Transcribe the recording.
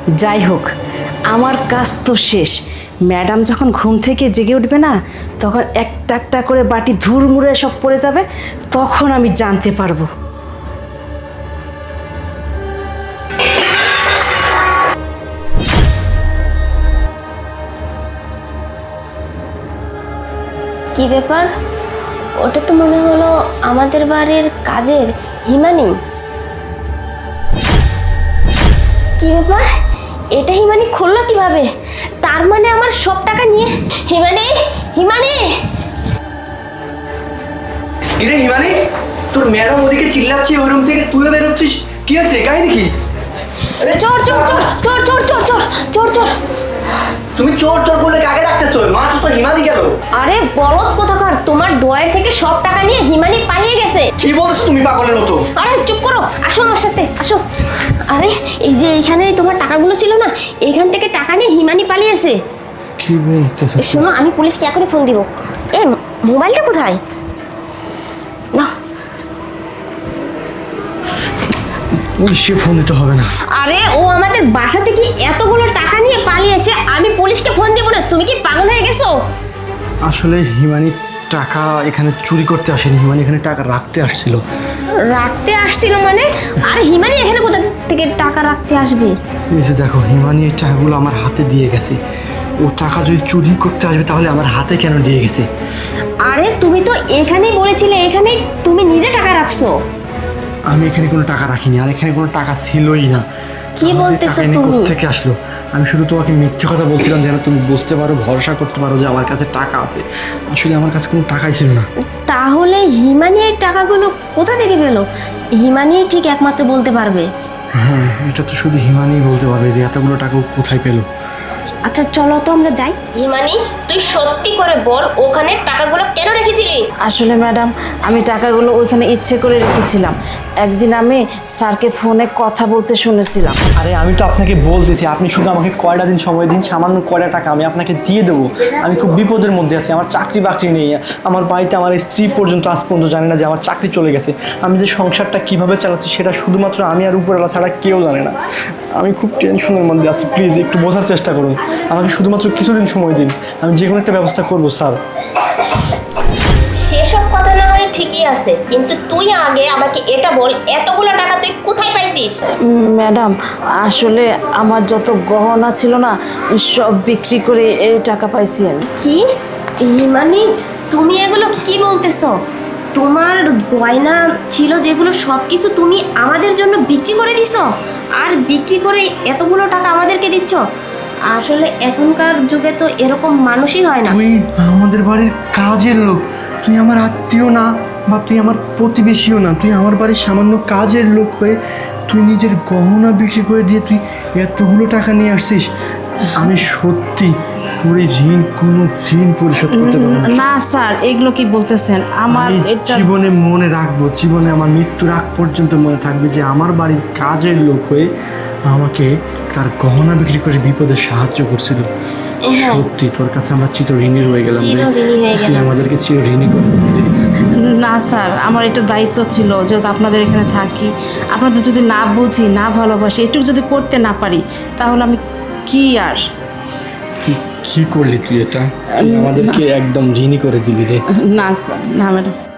যাই হোক, আমার কাজ তো শেষ। ম্যাডাম যখন ঘুম থেকে জেগে উঠবে না, তখন একটা একটা করে বাটি ধুরমুড়ে সব পড়ে যাবে, তখন আমি জানতে পারবো। কি ব্যাপার? ওটা তো মনে হলো আমাদের বাড়ির কাজের হিমানি। কি ব্যাপার? এটা হিমানি খুললো কিভাবে? তার মানে আমার সব টাকা নিয়ে হিমানি হিমানি কিরে হিমানি, তোর ম্যাডাম ওদিকে চিল্লাচ্ছে, ওই রুম থেকে তুইও বেরোচ্ছিস, কি আছে কাহিনী কি? চোর চোর চোর চোর চোর চোর চোর চোর চোর। তুমি চোর চোর বলে কাকে ডাকতেছো? মাছ তো হিমানি গেল। আরে বলদ কোথাকার, তোমার ড্রয়ার থেকে সব টাকা নিয়ে হিমানি পালিয়ে গেছে। কি বলছো তুমি পাগলের মতো? আরে চুপ করো, আসো আমার সাথে আসো। আরে এই যে এইখানে তোমার টাকাগুলো ছিল না, এইখান থেকে টাকা নিয়ে হিমানি পালিয়েছে। কি বলতেছো? শোনো, আমি পুলিশকে এখনই ফোন দিব। এ মোবাইলটা কোথায়? না পুলিশে ফোন দিতে হবে না। আরে ও আমাদের বাসা থেকে এতগুলো টাকা নিয়ে পালিয়েছে, আমি পুলিশকে ফোন দিব না? তুমি কি পাগল হয়ে গেছো? আসলে হিমানি টাকা এখানে চুরি করতে আসেনি, হিমানি এখানে টাকা রাখতে আসছিল। রাখতে আসছিল মানে? আরে হিমানি এখানে কোথা থেকে টাকা রাখতে আসবে? এই যে দেখো, হিমানি এই টাকাগুলো আমার হাতে দিয়ে গেছে। ও টাকা যদি চুরি করতে আসবে তাহলে আমার হাতে কেন দিয়ে গেছে? আরে তুমি তো এখানেই বলেছিলে, এখানেই তুমি নিজে টাকা রাখছো। আমি এখানে কোনো টাকা রাখিনি, আর এখানে কোনো টাকা ছিলই না। কি বলতেছো তুমি? থেকে আসলো? আমি শুধু তোমাকে মিথ্যে কথা বলছিলাম যেন তুমি বুঝতে পারো, ভরসা করতে পারো যে আমার কাছে টাকা আছে। আসলে আমার কাছে কোনো টাকাই ছিল না। তাহলে হিমানি এই টাকাগুলো কোথা থেকে পেলো? হিমানি ঠিক একমাত্র বলতে পারবে। হ্যাঁ, এটা তো শুধু হিমানি বলতে পারবে যে এতগুলো টাকা ও কোথায় পেলো। আচ্ছা চলো তো আমরা যাই। হিমানি, তুই সত্যি করে বল, ওখানে টাকাগুলো কেন রেখেছিলি? আসলে ম্যাডাম, আমি টাকাগুলো ওইখানে ইচ্ছে করে রেখেছিলাম। একদিন আমি স্যারকে ফোনে কথা বলতে শুনেছিলাম। আরে আমি তো আপনাকে বলতেছি, আপনি শুধু আমাকে কয়টা দিন সময় দিন, সামান্য কয়টা টাকা আমি আপনাকে দিয়ে দেবো। আমি খুব বিপদের মধ্যে আছি, আমার চাকরি বাকরি নেই। আমার বাড়িতে আমার স্ত্রী পর্যন্ত আজ পর্যন্ত জানে না যে আমার চাকরি চলে গেছে। আমি যে সংসারটা কিভাবে চালাচ্ছি সেটা শুধুমাত্র আমি আর উপরওয়ালা ছাড়া কেউ জানে না। আমি খুব টেনশনের মধ্যে আছি, প্লিজ একটু বোঝার চেষ্টা করুন। আমাকে শুধুমাত্র কিছুদিন সময় দিন, আমি যে কোনো একটা ব্যবস্থা করবো স্যার। সেসব কথা না হয় ঠিকই আছে, কিন্তু তুই আগে আমাকে এটা বল, এতগুলো টাকা তুই কোথায় পাইছিস? ম্যাডাম, আসলে আমার যত গহনা ছিল না, সব বিক্রি করে এই টাকা পাইছি আমি। কি হিমানি, তুমি এগুলো কি বলতেছো? তোমার গয়না ছিল যেগুলো সব কিছু তুমি আমাদের জন্য বিক্রি করে দিছো, আর বিক্রি করে এতগুলো টাকা আমাদেরকে দিচ্ছ? আসলে এখনকার যুগে তো এরকম মানুষই হয় না। তুই আমাদের বাড়ির কাজের লোক, তুই আমার আত্মীয় না, বা তুই আমার প্রতিবেশীও না, তুই আমার বাড়ির সামান্য কাজের লোক হয়ে তুই নিজের গহনা বিক্রি করে দিয়ে তুই এতগুলো টাকা নিয়ে আসছিস। আমি সত্যি তোর এই ঋণ কোনো দিন পরিশোধ করতে পারবো না। না স্যার, এগুলো কি বলতেছেন? আমার আমি এটা জীবনে মনে রাখবো, জীবনে আমার মৃত্যুর আগ পর্যন্ত মনে থাকবে যে আমার বাড়ির কাজের লোক হয়ে আমাকে তার গহনা বিক্রি করে বিপদে সাহায্য করছিল। হ্যাঁ। সত্যি তোর কাছে আমরা চিরঋণী রয়ে গেলাম রে। চিরঋণী হয়ে তুই গেলাম। আমাদেরকে চিরঋণী করে দিলি রে। না স্যার, আমার এটা দায়িত্ব ছিল, যেহেতু আপনাদের এখানে থাকি, আপনাদের যদি না বুঝি, না ভালোবাসি, এটুকু যদি করতে না পারি, তাহলে আমি কি আর। কি করলি তুই? এটা তুই আমাদেরকে একদম ঋণী করে দিলি রে। না স্যার, না ম্যাডাম।